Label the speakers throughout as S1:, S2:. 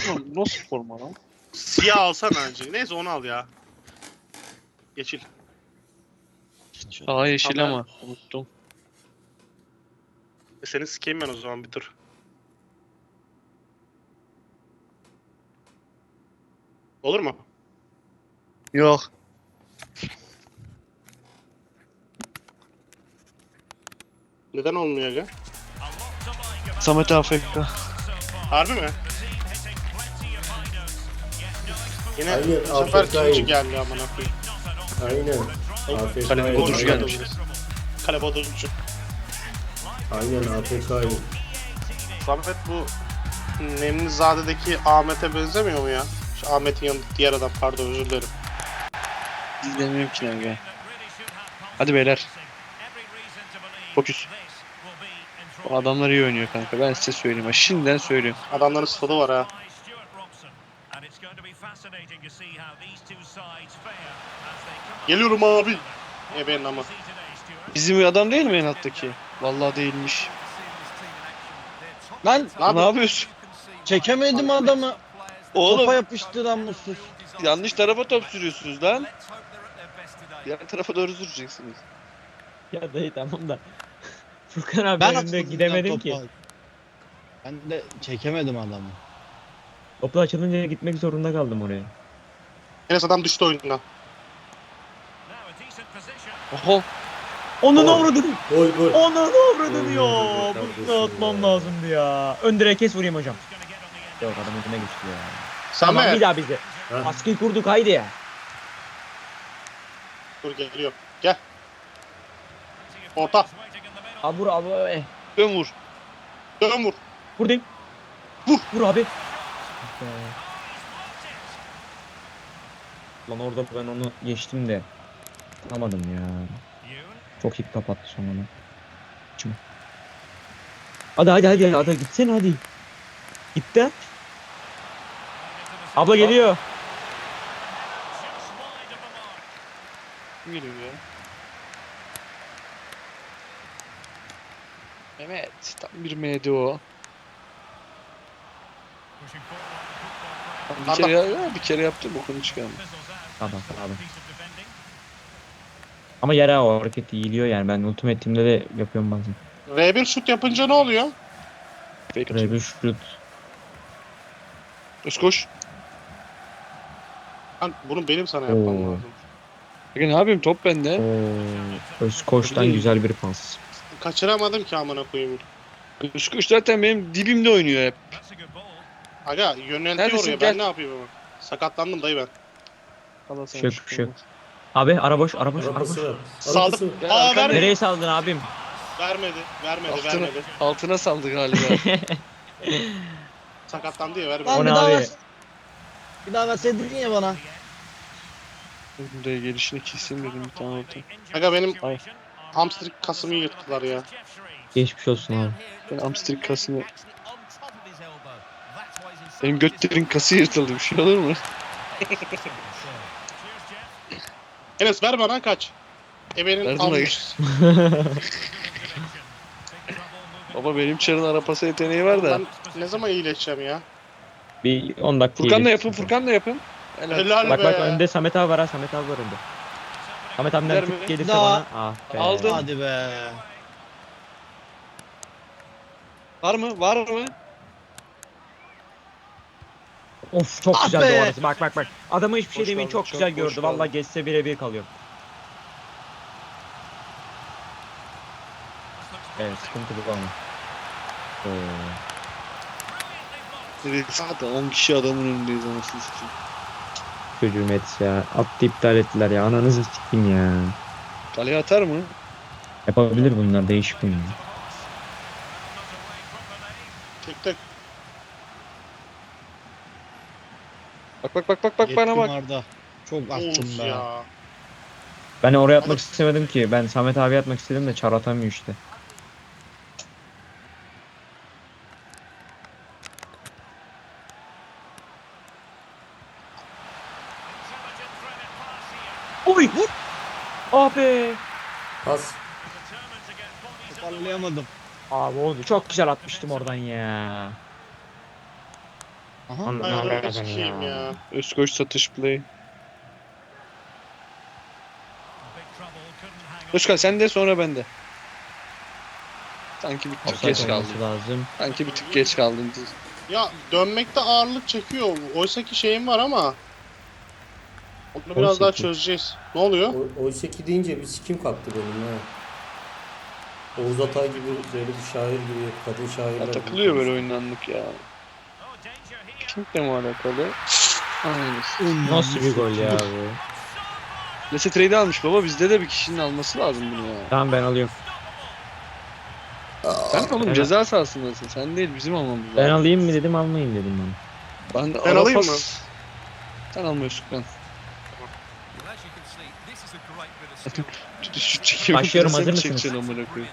S1: Nasıl forma lan?
S2: Siyah alsana önce. Neyse onu al ya. Yeşil.
S1: Aa yeşil
S2: Tamam.
S1: ama unuttum.
S2: Seni sikeyim ben o zaman bir tur. Olur mu?
S1: Yok.
S2: Neden olmuyor aga?
S1: Samet AFK.
S2: Harbi mi? Yine
S3: Hayır,
S2: bu sefer
S3: AFK'yim.
S2: ikinci geldi amına koyayım.
S3: Aynen. AFK'yim.
S1: Kalemi bodurcu
S3: Aynen.
S1: gelmiş.
S2: Kale bodurcu.
S3: Aynen AFK'yim.
S2: Samet bu Nemlizade'deki Ahmet'e benzemiyor mu ya? Şu Ahmet'in yanında diğer adam, pardon, özür dilerim.
S1: İzlemiyorum ki lan. Hadi beyler. Fokus. Bu adamlar iyi oynuyor kanka. Ben size söyleyeyim. Şimdiden söylüyorum.
S2: Adamların stadı var ha. Geliyorum abi. Benim ama.
S1: Bizim adam değil mi en alttaki? Vallahi değilmiş.
S4: Lan
S1: Ne yapıyorsun?
S4: çekemedim adamı. Topa
S1: Oğlum
S4: yapıştı lan mutsuz.
S1: yanlış tarafa top sürüyorsunuz lan. Diğer tarafa doğru süreceksiniz.
S5: Ya dayı tamam da. Furkan abi
S4: Ben
S5: önünde
S4: atladım
S5: gidemedim
S4: lan
S5: ki.
S4: topa. Ben de çekemedim adamı.
S5: Topla açılınca gitmek zorunda kaldım oraya.
S2: Enes adam düştü oyundan.
S1: Oho.
S5: Onun
S3: Gol.
S5: avradını.
S3: Gol gol.
S5: Onun avradını
S3: Gol,
S5: ya.
S3: gol, gol,
S5: Bunu
S3: gol,
S5: atmam
S3: gol.
S5: lazımdı ya. Ön direğe kes vurayım hocam. Yok adam önüne geçti ya. Tamam
S2: Samet.
S5: bir daha bize.
S3: Ha.
S5: Baskıyı kurduk haydi ya.
S2: Dur geliyor. Gel. Orta.
S5: Abi vur abi.
S1: Dön vur.
S2: Dön vur.
S5: Vurdum.
S2: Vur.
S5: Vur abi. Lan orada ben onu geçtim de. Tutamadım ya. Çok iyi kapattı sonra. Şimdi. Hadi gitsene hadi. Gitti. Abla geliyor.
S1: Kim geliyor ya? Mehmet. Tam bir MD o. Bir kere yaptım okunu çıkardım.
S5: Tamam. Ama yere o hareket iyiliyor yani. Ben Ultimate Team'de de yapıyorum bazen.
S2: R1 şut yapınca ne oluyor?
S1: Fake atıyor.
S5: Buraya bir şut.
S1: Özkoş.
S2: Lan bunu benim sana yapmam
S5: Oo.
S2: lazım.
S1: Peki ne yapayım top bende.
S5: Özkoş'tan
S1: Tabii.
S5: güzel bir pas.
S2: Kaçıramadım ki amına koyayım.
S1: Özkoş zaten benim dibimde oynuyor hep.
S2: Aga yöneltiyor
S1: Neredesin?
S2: oraya.
S1: Gel.
S2: Ben ne yapayım ama? Sakatlandım dayı ben.
S1: Allah
S5: Bir şey yok. Abi ara boş.
S3: Arabası var.
S2: Saldım.
S3: Arabası var.
S1: Ya,
S2: Aa
S1: arkanda-
S2: vermedi.
S5: Nereye saldın abim?
S2: Vermedi.
S1: Altına saldı galiba.
S2: Sakatlandı ya vermedi.
S4: Lan
S5: O
S4: bir
S5: ne
S4: daha
S5: abi?
S4: ver. Bir daha verseydin ya bana.
S1: Buraya gelişini keseyim dedim bir tane orta.
S2: Aga benim
S1: Ay.
S2: hamstring kasımı yırttılar ya.
S5: Geçmiş olsun abi.
S1: Ben hamstring kasını... Benim götlerin kası yırtıldı, bir şey olur mu?
S2: Enes ver bana kaç. Ebenin
S1: Verdim
S2: almış.
S1: Baba benim çarın arapası yeteneği var da.
S2: Ben ne zaman iyileşeceğim ya?
S5: Bir 10 dakika.
S1: Furkan da
S5: iyileşsin.
S1: yapın, Furkan da yapın. Helal.
S2: Helal
S5: Bak
S2: be.
S5: önde Samet abi var ha. Samet abi var önde. Samet abiden
S1: Gider mi?
S5: tık gelirse
S4: Daha-
S5: bana. Ah be.
S1: Aldım.
S4: Hadi be.
S1: Var mı? Var mı?
S5: Of çok
S4: Ah
S5: güzel
S4: be.
S5: orası. Bak. Adama hiçbir şey
S1: Boş
S5: demeyin
S1: kaldı,
S5: çok
S1: çok
S5: güzel
S1: boş
S5: gördü.
S1: kaldı.
S5: Vallahi geçse birebir kalıyor. Evet sıkıntı bu ama.
S1: Evet, zaten 10 kişi adamın önündeyiz anasını satayım.
S5: Çocuğum et ya. Attı iptal ettiler ya. Ananızı sikeyim ya.
S1: Kaleye atar mı?
S5: Yapabilir bunlar değişik oyun.
S2: Tek.
S1: Bak bana
S4: Yettim
S1: bak.
S4: Arda. Çok attım
S2: Of
S4: be.
S2: ya.
S5: Ben oraya atmak istemedim ki. Ben Samet abi atmak istedim de çar atamıyor işte. Oy! Vur! Abi!
S3: Pas.
S4: Toparlayamadım.
S5: Abi oldu. Çok güzel atmıştım oradan ya.
S4: Aha.
S2: Ayağını sikeyim ya.
S1: Özkoç satış play. Özkan sen de sonra ben de. Sanki bir tık
S5: Offside
S1: geç kaldın.
S5: olması lazım.
S1: Sanki bir tık geç kaldın.
S2: Ya dönmekte ağırlık çekiyor. Oysaki şeyim var ama. Onu biraz
S5: Oysaki.
S2: daha çözeceğiz. Ne oluyor?
S3: Oysa ki deyince bir sikim kalktı benim ha. Oğuz Atay gibi böyle bir şair gibi kadın şairler.
S1: Ya takılıyor böyle oyundanlık ya. Kimle mi alakalı? Aynen.
S5: Nasıl bir gol ya bu?
S1: Lese trade almış baba, bizde de bir kişinin alması lazım bunu ya.
S5: Tamam ben alıyorum.
S1: Sen oğlum
S5: Ben-
S1: ceza sahasındasın. Sen değil, bizim almamız lazım.
S5: Ben alayım mı dedim almayayım dedim ben.
S1: Ben
S2: alayım mı?
S1: Sen almıyorsun ben. Şut çekiyor.
S5: Başlıyorum,
S1: Sen
S5: hazır
S1: mi
S5: mısınız?
S1: çekeceksin amına koyayım?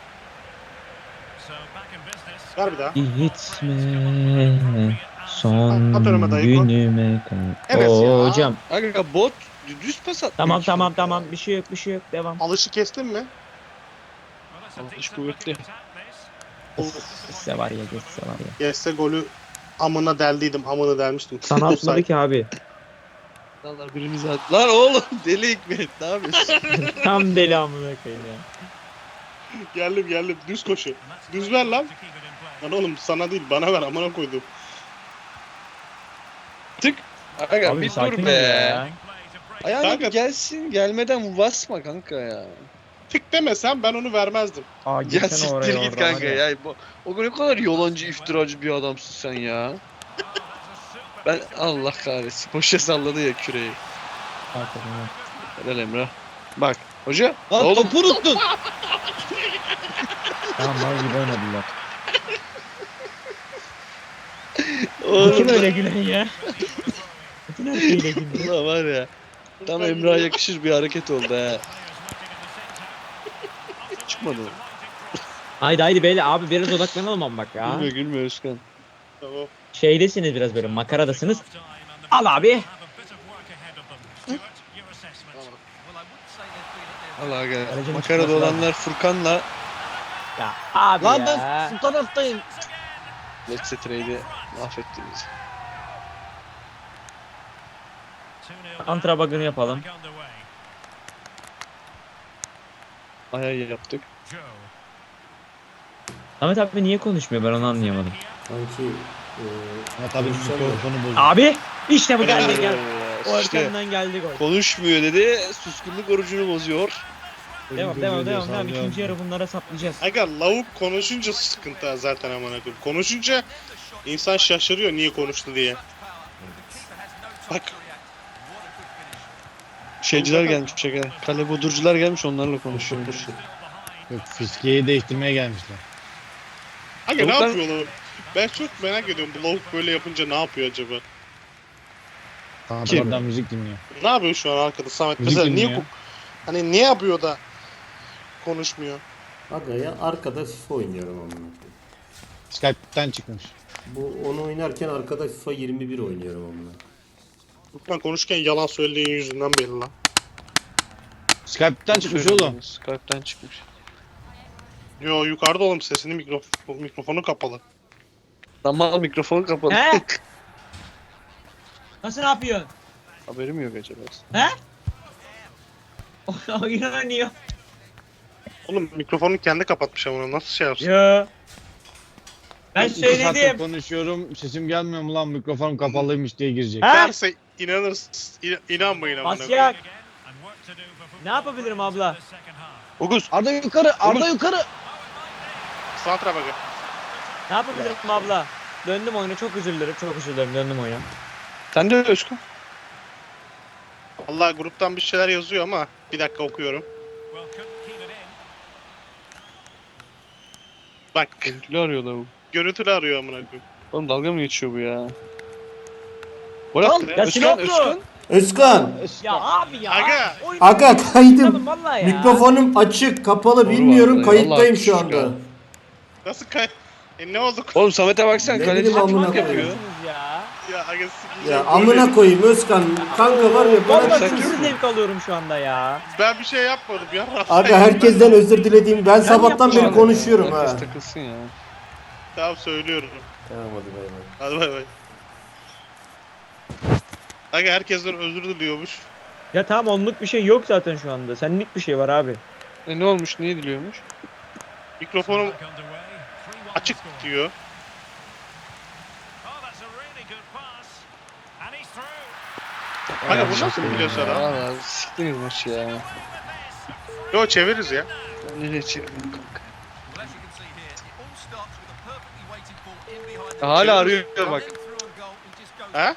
S2: Ver bir daha.
S5: Gitme son
S2: At önüme dayı, koy.
S5: günüme kal.
S2: Evet ya.
S5: Hocam.
S1: Aga bot düz pas atmıyor
S5: Tamam
S1: ki
S5: tamam
S1: kanka.
S5: tamam bir şey yok bir şey yok devam.
S2: Alışı kestin mi?
S1: İş kuvvetli.
S5: Geçse var ya geçse var ya.
S2: Geçse golü amına deldiydim. Amına delmiştim.
S5: Sana atmadı ki abi.
S1: Allah birimizi at. Lan oğlum deli Hikmet ne yapıyorsun?
S5: Tam deli amına koyayım ya.
S2: Geldim. Düz koşu. Düz ver lan. Lan oğlum sana değil bana ver amına koydum.
S1: Tık. Aga
S5: Abi
S1: bir
S5: sakin
S1: dur
S5: ol
S1: be.
S5: ya.
S1: Ayağına
S2: Kanka-
S1: bir gelsin, gelmeden basma kanka ya.
S2: Tık demesem ben onu vermezdim.
S5: Aa
S1: Ya
S5: geçsene
S1: siktir
S5: oraya
S1: git
S5: oradan
S1: kanka
S5: var
S1: ya. O ne kadar yalancı, iftiracı bir adamsın sen ya. Ben Allah kahretsin. Boşa salladı ya küreği.
S5: Hakikaten ya.
S1: Helal Emrah. Bak hoca.
S4: Lan
S1: oğlum
S4: topu unuttun.
S5: Tamam mal gibi oynadılar.
S1: oğlum
S5: Kim öyle gülen ya? Bütün her şeyle güldü.
S1: Allah var ya. Tam Emrah'a yakışır bir hareket oldu ha. Çıkmadı o.
S5: Haydi beyler abi biraz odaklanalım ama bak ya.
S1: Gülme Özkan.
S2: Tamam.
S5: Şeydesiniz biraz böyle makaradasınız. Al abi.
S1: Allah gel.
S5: Aracın
S1: Makarada
S5: çıkması
S1: olanlar Furkan'la
S5: Ya abi
S4: Lan
S5: ya.
S4: ben bu taraftayım.
S1: Let's Trade'i mahvetti bizi.
S5: Antra bug'ını yapalım.
S1: Ayağı yaptık.
S5: Ahmet abi niye konuşmuyor ben onu anlayamadım.
S3: Sanki
S4: Ya tabii mikrofonu bozuldu.
S5: Abi işte bu geldi
S1: Helal
S5: gel.
S1: be.
S5: O
S1: İşte
S5: arkamdan geldi gol.
S1: konuşmuyor dedi. Suskunluk orucunu bozuyor.
S5: Devam. İkinci yarı bunlara saplayacağız.
S2: Aga lavuk konuşunca sıkıntı zaten amına koyayım. Konuşunca insan şaşırıyor niye konuştu diye. Bak
S1: Şeyciler gelmiş şaka. Kale bodurcular gelmiş, onlarla konuşuyormuş.
S4: Yok, fiskeyi değiştirmeye gelmişler.
S2: aga ne
S1: Lavuklar-
S2: yapıyor lavuk? Ben çok merak ediyorum bu lavuk böyle yapınca ne yapıyor acaba?
S4: Tamam
S1: Kim?
S4: oradan müzik dinliyor.
S2: Ne yapıyor şu an arkada Samet?
S4: Müzik
S2: Mesela niye
S4: dinliyor.
S2: hani ne yapıyor da konuşmuyor?
S3: aga ya arkada FIFA oynuyorum amına koyayım.
S4: Skype'ten çıkmış.
S3: Bu onu oynarken arkada FIFA 21 oynuyorum amına.
S2: Ben konuşurken yalan söylediğin yüzünden belli lan.
S4: Skype'ten çıkmış oğlum.
S1: Skype'den çıkmış.
S2: Yo yukarıda oğlum sesini mikrofonu kapalı.
S1: Tamam mikrofon kapalı.
S5: He? Nasıl ne yapıyorsun?
S1: Haberim yok acaba.
S5: He? Oyun oynuyor.
S2: Oğlum mikrofonu kendi kapatmış ama nasıl şey yapsın?
S5: Yo. Ben
S4: İki saattir
S5: söyledim.
S4: konuşuyorum. Sesim gelmiyor mu lan, mikrofonum kapalıymış diye girecek.
S5: He?
S2: Derse inanırsınız. İnanmayın amına koyayım.
S5: Asyak. Ne yapabilirim abla?
S1: Oguz.
S4: Arda yukarı, Arda yukarı.
S2: Santra bakın.
S5: Ne yapabilirim abla? Döndüm oyuna çok özür dilerim döndüm oyuna.
S1: Sen de Özkan.
S2: Allah gruptan bir şeyler yazıyor ama bir dakika okuyorum. Bak
S1: Görüntülü arıyorlar bu.
S2: görüntülü arıyor amına koyayım.
S1: Oğlum dalga mı geçiyor bu ya? Gol
S4: Lan,
S1: attı
S5: ya
S1: Özkan,
S5: Sinoplu!
S1: Özkan.
S3: Özkan!
S5: Ya abi ya.
S2: Aga!
S5: Oyun
S3: Aga
S5: oynadım
S3: kaydım.
S5: vallahi ya.
S3: Mikrofonum açık, kapalı
S1: Doğru
S3: bilmiyorum.
S1: vallahi,
S3: Kayıttayım
S1: vallahi
S3: şu
S1: küçük
S3: anda.
S1: ya.
S2: Nasıl ne oldu?
S1: Oğlum Samet'e baksana,
S3: Ne
S1: kaleci
S3: bileyim amına
S1: çok
S3: koyayım.
S1: yapıyor.
S5: Ya.
S2: Ya aga sikeceğim.
S3: Ya amına koyayım Özkan. Kanka var ya bana
S5: Vallahi
S1: sen
S5: çok
S1: kimsin?
S5: zevk alıyorum şu anda ya.
S2: Ben bir şey yapmadım ya.
S3: Aga herkesten özür dilediğim. Ben sabahtan beri
S5: yapacağım.
S3: konuşuyorum ha.
S1: Herkes takılsın ya.
S2: Tamam söylüyorum.
S3: Tamam hadi bay bay.
S2: Hadi bay bay. Aga herkesten özür diliyormuş.
S5: Ya tamam onluk bir şey yok zaten şu anda. Senlik bir şey var abi.
S1: Ne olmuş? Niye diliyormuş?
S2: Mikrofonum açık diyor. Aga bu nasıl biliyorsun adam?
S1: Valla siktiniz maçı ya.
S2: Yo çeviririz ya.
S1: Nereye çevirdim kanka? Hala arıyor bak.
S2: Ha?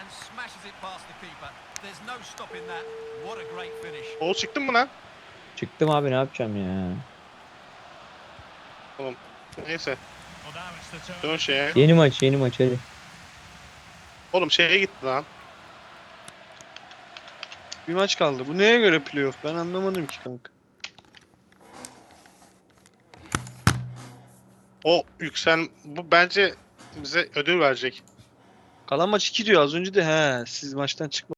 S2: Oğuz çıktın mı lan?
S5: Çıktım abi ne yapacağım ya.
S2: Neyse. Dön şeye.
S5: Yeni maç hadi.
S2: Oğlum şeye gitti lan.
S1: Bir maç kaldı. Bu neye göre playoff? Ben anlamadım ki kanka.
S2: O bu bence bize ödül verecek.
S1: Kalan maç 2 diyor. Az önce de he siz maçtan çıkma.